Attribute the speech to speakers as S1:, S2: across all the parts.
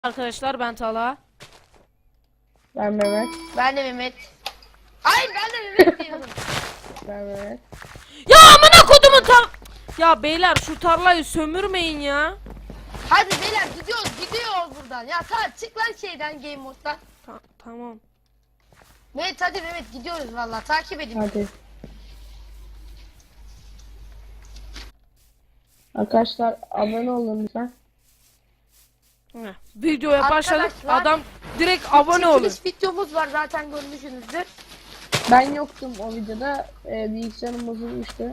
S1: Arkadaşlar ben Talha.
S2: Ben Mehmet.
S3: Ben de Mehmet. Ay ben de Mehmet diyorum.
S2: Ben Mehmet.
S1: Ya amına kodumun Ya beyler şu tarlayı sömürmeyin ya.
S3: Hadi beyler gidiyoruz buradan. Ya çık lan şeyden game moddan.
S1: Tamam.
S3: Mehmet hadi Mehmet gidiyoruz vallahi takip edin.
S2: Hadi. Arkadaşlar abone olun lütfen.
S1: Videoya başladık.
S3: Arkadaşlar,
S1: Adam direkt abone olun.
S3: Çekiliş videomuz var zaten görmüşsünüzdür.
S2: Ben yoktum o videoda. Bilgisayarım bozulmuştu.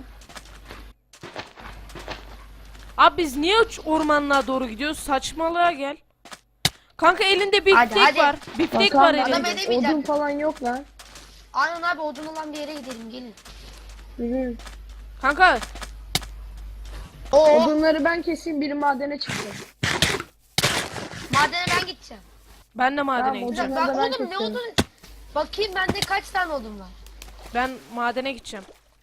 S1: Abi biz niye ormanlığa doğru gidiyoruz? Saçmalığa gel. Kanka elinde biftek
S3: Hadi.
S1: var. Biftek
S2: Bakalım,
S1: var
S3: adam
S1: elinde.
S3: edemeyecek.
S2: Odun falan yok lan.
S3: Aynen abi odun olan bir yere gidelim gelin.
S2: Yürü.
S1: Kanka
S3: Oo
S2: Odunları ben keseyim, biri madene çıksın.
S3: madene ben gideceğim.
S1: ben de madene
S2: Tamam,
S1: gideceğim.
S2: Odunları da ben
S3: Oğlum ne
S2: kesiyorum.
S3: odun? Bakayım bende kaç tane odun var.
S1: Ben madene gideceğim.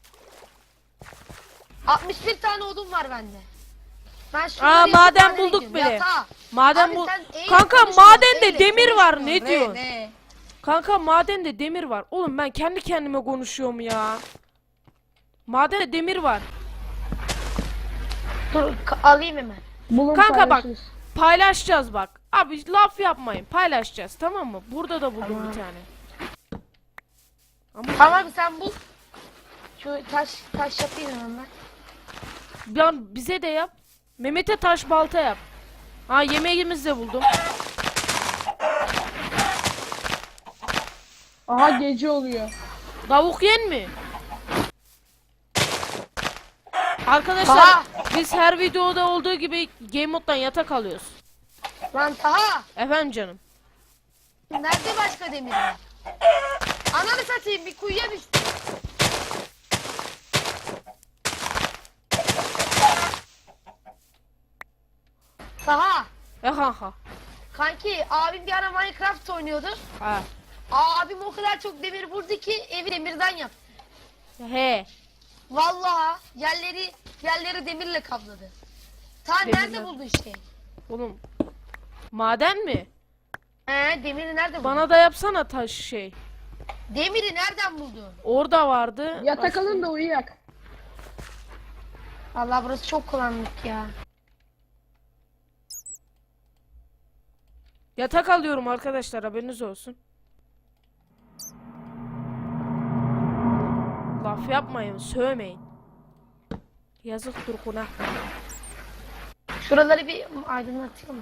S3: 61 tane odun var bende. Ben
S1: Aa, maden
S3: madene
S1: bulduk
S3: gidiyorum.
S1: bile.
S3: Yatağa.
S1: Maden
S3: Abi
S1: bu.
S3: sen eğil
S1: Kanka
S3: konuşma,
S1: madende
S3: eğil
S1: demir
S3: konuşma.
S1: var. Ne diyorsun?
S3: Ne?
S1: Kanka madende demir var. Oğlum ben kendi kendime konuşuyorum ya. Madende demir var.
S3: Dur alayım hemen.
S2: Bulun,
S1: Kanka bak.
S2: paylaşırız.
S1: Paylaşacağız bak. Abi laf yapmayın. Paylaşacağız, tamam mı? Burada da buldum bir tane. Ama
S3: Tamam sen bul. Şu taş yapayım hemen ben.
S1: bize de yap. Mehmet'e taş balta yap. Ha, yemeğimizi de buldum.
S2: Aha, gece oluyor.
S1: Tavuk yen mi? Arkadaşlar
S3: Aha!
S1: biz her videoda olduğu gibi game moddan yatak alıyoruz.
S3: Lan Taha.
S1: Efendim canım.
S3: Nerede başka demir var? Ananı satayım bir kuyuya düştüm. Taha.
S1: Ha.
S3: Kanki abim bir ara Minecraft oynuyordu.
S1: Ha.
S3: Abim o kadar çok demir vurdu ki evi demirden yaptı.
S1: He.
S3: Vallahi yerleri demirle kapladı. Ta
S1: Demirle.
S3: nerede buldu işte?
S1: Oğlum. Maden mi?
S3: Demiri nerede buldu?
S1: Bana da yapsana taş şey.
S3: Demiri nereden buldun?
S1: Orada vardı.
S2: Yatak
S1: Başka-
S2: alın da uyuyak.
S3: Allah burası çok karanlık ya.
S1: Yatak alıyorum arkadaşlar, haberiniz olsun. Laf yapmayın, sövmeyin. Yazıktır günah.
S3: Şuraları bir aydınlatayım mı?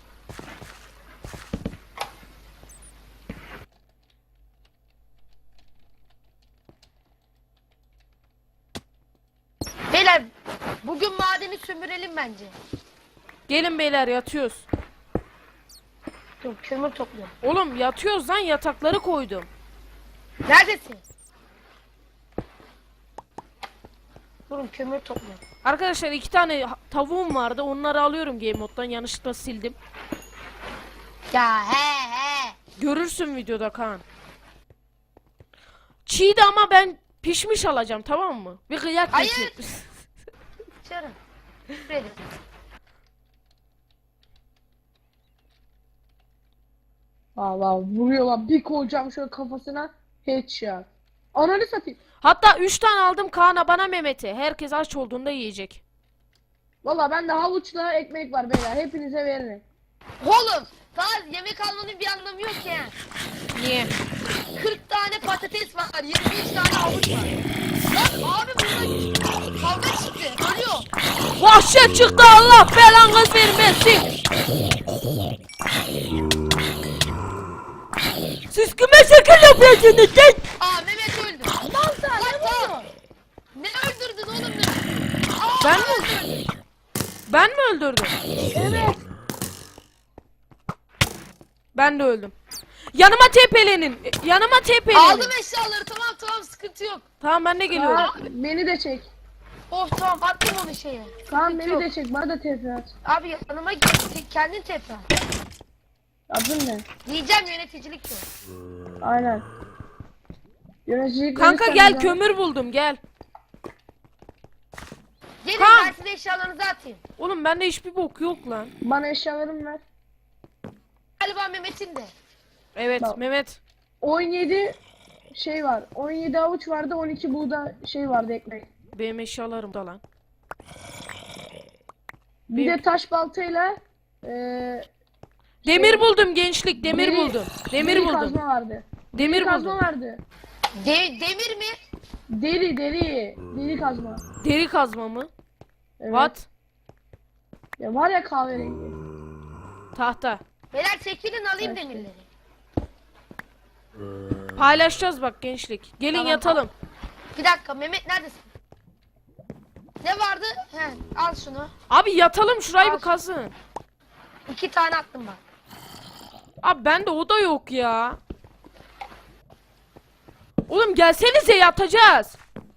S3: Beyler bugün madeni sömürelim bence.
S1: Gelin beyler, yatıyoruz.
S3: Dur kömür topluyorum.
S1: Oğlum yatıyoruz lan, yatakları koydum.
S3: Neredesin? Durun kömür topluyorum.
S1: Arkadaşlar 2 tane tavuğum vardı, onları alıyorum game moddan, yanlışlıkla sildim.
S3: Ya he.
S1: Görürsün videoda Kaan. Çiğdi ama ben pişmiş alacağım, tamam mı? Bir kıyak
S3: Hayır.
S1: getir.
S3: Çarım. Şuraya.
S2: Valla vuruyorlar, bir koyacağım şöyle kafasına, headshot. Ananı satayım.
S1: Hatta 3 tane aldım Kaan'a, bana Mehmet'e. Herkes aç olduğunda yiyecek.
S2: Valla bende havuçla ekmek var beyler, hepinize veririm.
S3: Oğlum daha yemek almanın bir anlamı yok ya.
S1: Niye?
S3: 40 tane patates var, 23 tane havuç var. Lan abi burada kavga çıktı, ölüyor.
S1: Vahşet çıktı, Allah belanı vermesin. Siz kime şekil yapıyorsunuz lan?
S3: Mehmet öldü. Lan sen ne öldürdün oğlum ne?
S1: Ben mi? Ben mi öldürdüm?
S3: Evet.
S1: Ben de öldüm. Yanıma tepelenin. Yanıma tepelenin.
S3: Aldım eşyaları tamam sıkıntı yok.
S1: Tamam, ben de geliyorum.
S2: Aa, beni de çek.
S3: Of tamam attım onu şeye.
S2: Tamam,
S3: Sıkıntı
S2: beni
S3: yok.
S2: de çek, bana da TP at.
S3: Abi yanıma git kendin tepe.
S2: Adın ne?
S3: Diyeceğim yöneticilik yok.
S2: Aynen. Yöneticilik
S1: Kanka
S2: verirsen
S1: gel,
S2: bize-
S1: kömür buldum, gel.
S3: Gelin
S1: Tamam.
S3: ben size eşyalarınızı atayım.
S1: Oğlum bende hiçbir bok yok lan.
S2: Bana eşyalarımı ver.
S3: Hatta Mehmet'in de.
S1: Evet
S2: Bak.
S1: Mehmet.
S2: 17 şey var. 17 avuç vardı, 12 buğda şey vardı ekmek.
S1: Benim eşyalarım da lan.
S2: Bir
S1: Benim-
S2: de taş baltayla
S1: Demir buldum gençlik, demir
S2: deri-
S1: buldum. Demir
S2: deri
S1: buldum.
S2: kazma vardı.
S1: Demir
S2: Kazma
S1: buldum.
S2: vardı.
S3: Demir mi?
S2: Deri kazma.
S1: Deri kazma mı?
S2: Evet.
S1: What?
S2: Ya var ya kahverengi.
S1: Tahta.
S3: Beyler çekilin alayım
S2: Evet.
S3: demirleri.
S1: Paylaşacağız bak gençlik. Gelin
S3: Tamam,
S1: yatalım.
S3: Bir dakika Mehmet neredesin? Ne vardı? He, al şunu.
S1: Abi yatalım şurayı bir
S3: Al.
S1: kazın.
S3: 2 tane attım bak.
S1: Abi bende o da yok ya. Oğlum gelsenize yatacağız.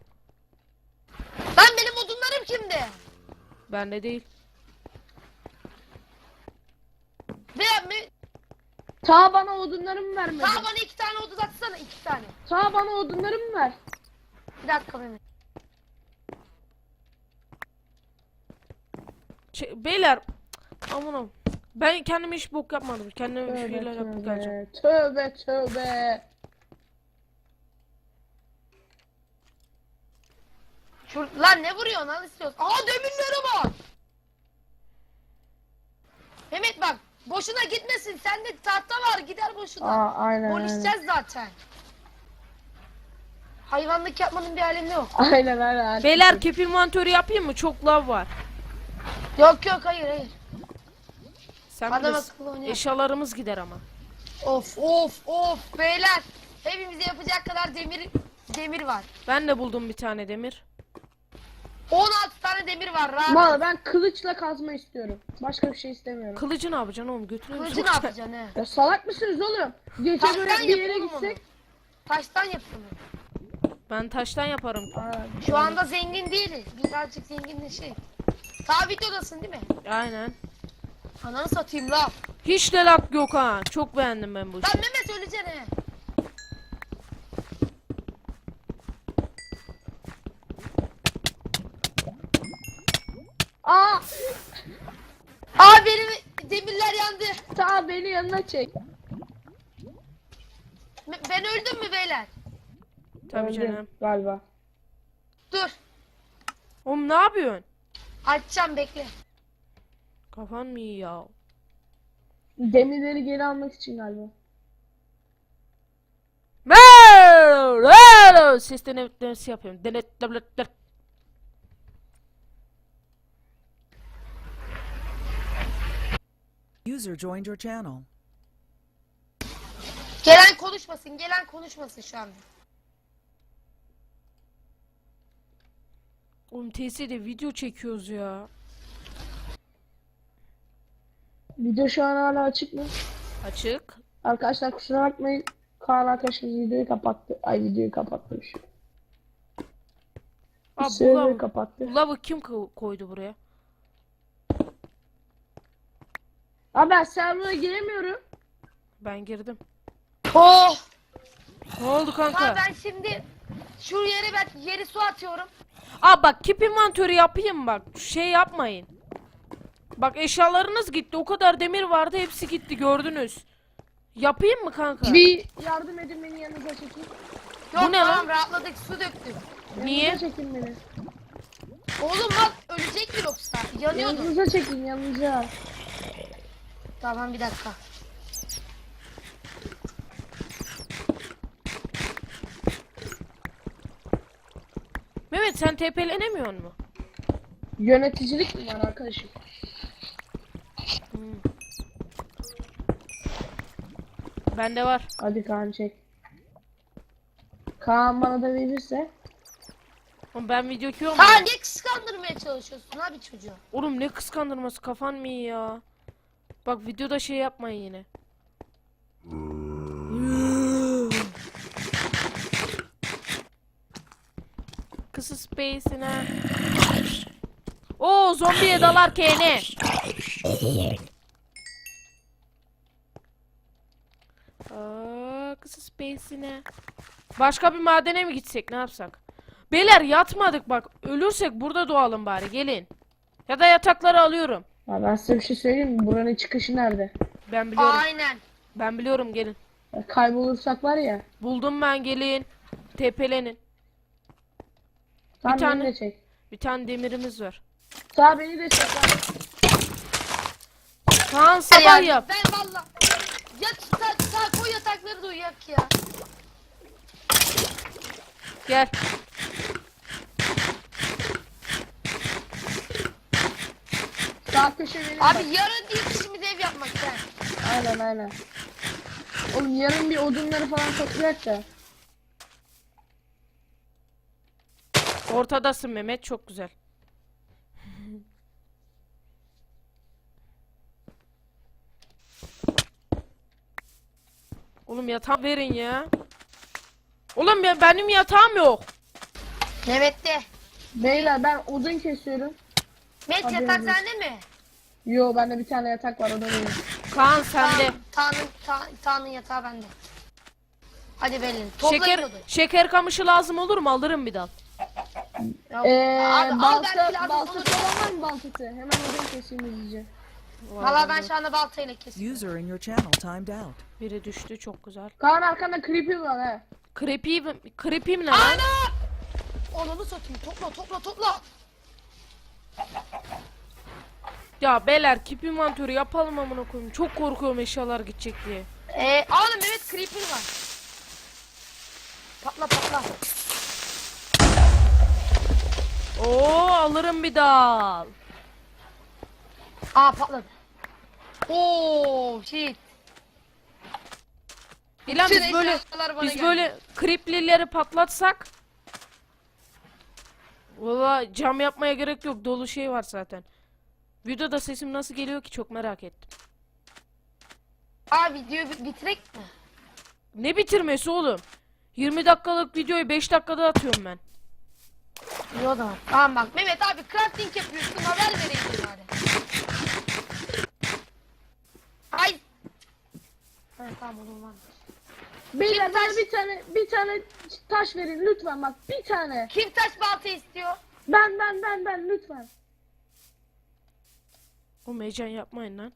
S3: Lan benim odunlarım kimde?
S1: Bende değil.
S3: Ve
S2: Ta bana odunlarımı vermedi.
S3: daha bana 2 tane odun atsana 2 tane.
S2: Ta bana odunlarımı ver.
S3: Bir dakika Mehmet.
S1: Beyler. Aman ben kendime hiç bok yapmadım. Kendime bir
S2: Tövbe
S1: şeyler yapıp geleceğim.
S2: tövbe. Tövbe.
S3: Lan ne vuruyorsun al istiyorsun. Aa demirlere bak. Mehmet bak boşuna gitmesin. Sende tahta var gider boşuna.
S2: Aynen.
S3: Konuşacağız zaten. Hayvanlık yapmanın bir alemi yok.
S2: Aynen.
S1: Beyler keep inventörü yapayım mı? Çok lav var.
S3: Yok hayır.
S1: Sen
S3: Adam
S1: bilirsin.
S3: akıllı oynuyor.
S1: Eşyalarımız gider ama.
S3: Of beyler. Hepimize yapacak kadar demir var.
S1: Ben de buldum bir tane demir.
S3: 16 tane demir var rahat.
S2: Valla ben kılıçla kazma istiyorum. Başka bir şey istemiyorum.
S1: Kılıcı ne yapacaksın oğlum? Götürüyor
S3: Kılıcı
S1: musun?
S3: ne yapacaksın he?
S2: Ya salak mısınız oğlum? Gece
S3: Taştan
S2: böyle bir yere
S3: yapalım
S2: gitsek.
S3: onu. Taştan yapalım.
S1: Ben taştan yaparım.
S3: Şu anda zengin değiliz. Birazcık zenginleşelim. Ta videodasın değil mi?
S1: Aynen.
S3: Ananı satayım la.
S1: Hiç de lak yok ha. Çok beğendim ben bu
S3: Lan
S1: işi.
S3: Mehmet öleceksin he.
S2: Aa!
S3: Aa benim demirler yandı.
S2: Ta beni yanına çek.
S3: Ben öldüm mü beyler?
S1: Tabii
S2: Öldüm
S1: canım.
S2: Galiba.
S3: Dur.
S1: Oğlum ne yapıyorsun?
S3: Açacağım bekle.
S1: Kafan mı iyi ya?
S2: Demirleri geri almak için galiba.
S1: Ses denetlemesi yapıyorum. Denetlemesi.
S4: User joined your channel.
S3: Gelen konuşmasın şu anda.
S1: Oğlum TS'de video çekiyoruz ya.
S2: Video şu an hala açık mı?
S1: Açık.
S2: Arkadaşlar kusura bakmayın. Kaan arkadaşımız videoyu kapattı. Ay videoyu kapatmış.
S1: Abi bu
S2: Server'ı
S1: lavı,
S2: kapattı.
S1: bu lavı kim koydu buraya?
S2: Abi ben server'a giremiyorum.
S1: Ben girdim.
S3: Oh!
S1: Ne oldu kanka?
S3: Ha ben şimdi şu yere su atıyorum.
S1: Aa bak keep inventörü yapayım bak. Şey yapmayın. Bak eşyalarınız gitti. O kadar demir vardı. Hepsi gitti gördünüz. Yapayım mı kanka?
S2: Bir yardım edin beni yanınıza çekin.
S3: Yok
S1: Bu ne
S3: tamam
S1: lan?
S3: rahatladık su döktüm.
S1: Niye?
S2: Yanınıza çekin beni.
S3: Oğlum bak ölecek mi yoksa? Yanıyordu.
S2: Yanınıza çekin yanınıza.
S3: Tamam bir dakika.
S1: Mehmet sen TP'lenemiyor mu?
S2: Yöneticilik mi var arkadaşım?
S1: Bende var.
S2: Hadi Kaan çek. Kaan bana da verirse.
S1: Oğlum ben video çekiyorum.
S3: Ha ne kıskandırmaya çalışıyorsun abi çocuğu?
S1: Oğlum ne kıskandırması kafan mı iyi ya? Bak videoda şey yapmayın yine. Kısa space'ine. Oo zombiye dalarken ne? Kısa space'ine. Başka bir madene mi gitsek ne yapsak? Beyler yatmadık bak. Ölürsek burada doğalım bari gelin. Ya da yatakları alıyorum.
S2: Ya ben size bir şey söyleyeyim mi? Buranın çıkışı nerede?
S1: Ben biliyorum.
S3: Aynen.
S1: Ben biliyorum, gelin.
S2: Kaybolursak var ya.
S1: Buldum ben, gelin. Tepelenin.
S2: Tamam
S1: tane-
S2: beni de çek.
S1: Bir tane demirimiz var.
S2: Sağ beni de çek lan.
S1: Kaan sabah yap.
S3: Ben valla. Yat sağ koy yatakları da uyuyak ya.
S1: Gel.
S2: Sağ köşe benim.
S3: Abi
S2: bak.
S3: yarın ilk işimiz ev yapmak sen.
S2: Aynen. Oğlum yarın bir odunları falan toplayacak da.
S1: Ortadasın Mehmet, çok güzel. Oğlum yatağı verin ya. Oğlum benim yatağım yok.
S3: Mehmet'te.
S2: Beyler ben odun kesiyorum.
S3: Mehmet
S2: Haberin
S3: yatak
S2: olsun.
S3: sende mi?
S2: Yo bende bir tane yatak var o da benim.
S1: Kaan sende.
S3: Tanrı'nın yatağı bende. Hadi belli. Toplayın
S1: Şeker
S3: odun.
S1: şeker kamışı lazım olur mu? Alırım bir dal.
S3: Yok. Abi, al belki lazım olur.
S2: baltası olan var mı baltası? Hemen odun keseyim hızlıca.
S3: Valla ben şu anda baltayla kesiyorum.
S4: User in your channel timed out.
S1: Biri düştü, çok güzel.
S2: Kaan arkanda creeper var he.
S1: Creepy mi ne lan?
S3: Ana! Onu satayım. Topla.
S1: Ya beyler, keep inventörü yapalım amına koyayım. Çok korkuyorum eşyalar gidecek diye.
S3: Oğlum Mehmet creeper var. Patla.
S1: Oo, alırım bir dal.
S3: Aa patladı. Oo shit.
S1: İlan
S3: Bütün
S1: biz böyle
S3: eşyalar bana
S1: biz
S3: geldi.
S1: böyle creeplileri patlatsak. Valla cam yapmaya gerek yok. Dolu şey var zaten. Videoda sesim nasıl geliyor ki, çok merak ettim.
S3: Aa videoyu bitirek mi?
S1: Ne bitirmesi oğlum? 20 dakikalık videoyu 5 dakikada atıyorum ben.
S3: İyi o zaman. Tamam bak Mehmet abi crafting yapıyorsun, haber vereyim bari. Ay. Ha, tamam oğlum var.
S2: Beyler
S3: Kim
S2: bana
S3: taş-
S2: bir tane taş verin lütfen bak bir tane.
S3: Kim taş balta istiyor?
S2: Ben lütfen.
S1: O heyecan yapmayın lan.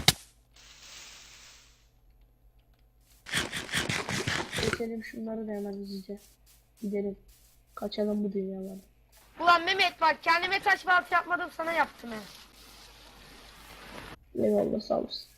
S2: Geçelim şunları da hemen hızlıca. Gidelim. Kaçalım bu dünyadan.
S3: Ulan Mehmet bak kendime taş balta yapmadım, sana yaptım he.
S2: Eyvallah sağ olasın.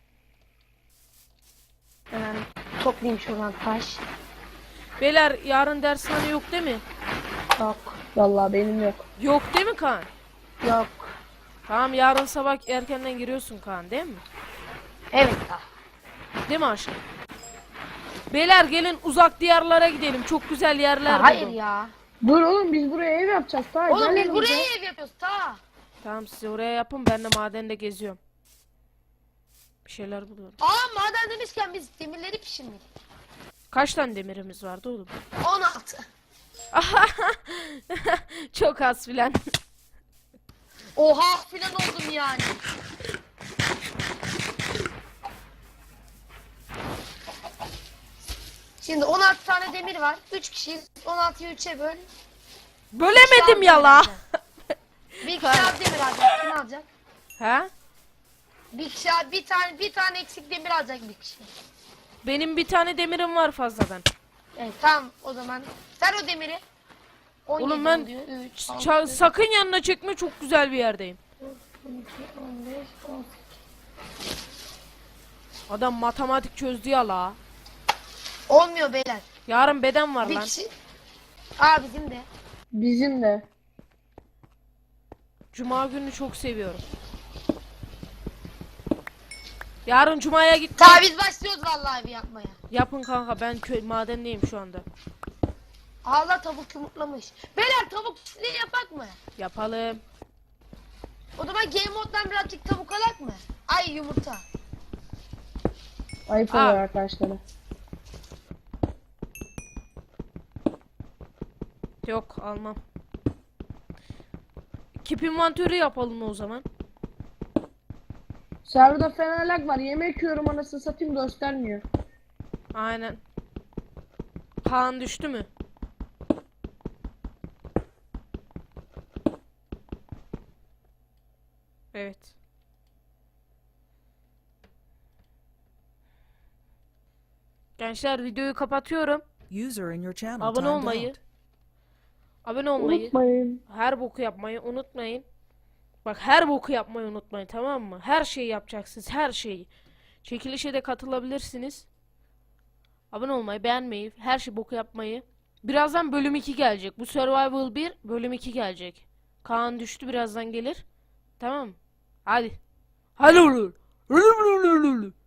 S3: Hemen toplayayım şuradan taş.
S1: Beyler, yarın dershane yok değil mi?
S3: Yok.
S2: Vallahi benim yok.
S1: Yok değil mi Kaan?
S3: Yok.
S1: Tamam, yarın sabah erkenden giriyorsun Kaan, değil mi?
S3: Evet daha.
S1: Değil mi aşkım? Beyler gelin, uzak diyarlara gidelim. Çok güzel yerler
S3: Hayır
S1: buldum.
S3: ya.
S2: Dur oğlum biz buraya ev yapacağız. Tamam.
S3: Oğlum
S2: gel
S3: biz buraya
S2: yanımıza.
S3: ev yapıyoruz ta.
S1: Tamam, siz oraya yapın, ben de madende geziyorum. Bir şeyler buluyorum.
S3: Aa maden demişken biz demirleri pişirmedik.
S1: Kaç tane demirimiz vardı oğlum?
S3: 16.
S1: Çok az filan.
S3: Oha filan oldum yani. Şimdi 16 tane demir var. 3 kişiyiz. 16'yı 3'e böl.
S1: Bölemedim ya la.
S3: Bir kişi az demir alacak. Kim alacak?
S1: Ha?
S3: Bir kişi bir tane eksik demir alacak bir kişi.
S1: Benim bir tane demirim var fazladan.
S3: Evet tamam o zaman. Ver o demiri. 17
S1: Oğlum ben
S3: oluyor. 3,
S1: sakın yanına çekme, çok güzel bir yerdeyim.
S3: 12, 15, 18.
S1: Adam matematik çözdü ya la.
S3: Olmuyor beyler.
S1: Yarın beden var
S3: Bir
S1: lan.
S3: kişi. Aa bizim de.
S2: Bizim de.
S1: Cuma günü çok seviyorum. Yarın cumaya git.
S3: Ta biz başlıyoruz vallahi bir yapmaya.
S1: Yapın kanka, ben madendeyim şu anda.
S3: Allah tavuk yumurtlamış. Beyler tavuk çiftliği yapak mı?
S1: Yapalım.
S3: O zaman game moddan birazcık tavuk alak mı? Ay yumurta.
S2: Ayıp
S1: Aa.
S2: oluyor arkadaşlara.
S1: Yok, almam. Keep inventörü yapalım o zaman.
S2: Serverda fena lag var. Yemek yiyorum anasını satayım göstermiyor.
S1: Aynen. Kaan düştü mü? Evet. Gençler videoyu kapatıyorum.
S4: User in your channel
S1: Abone
S4: timed
S1: olmayı,
S4: out.
S1: abone olmayı,
S2: Unutmayın.
S1: her boku yapmayı unutmayın. Bak her boku yapmayı unutmayın, tamam mı? Her şeyi yapacaksınız, her şeyi. Çekilişe de katılabilirsiniz. Abone olmayı, beğenmeyi, her şey boku yapmayı. Birazdan bölüm 2 gelecek. Bu Survival 1 bölüm 2 gelecek. Kaan düştü, birazdan gelir. Tamam mı? Hadi. Hadi.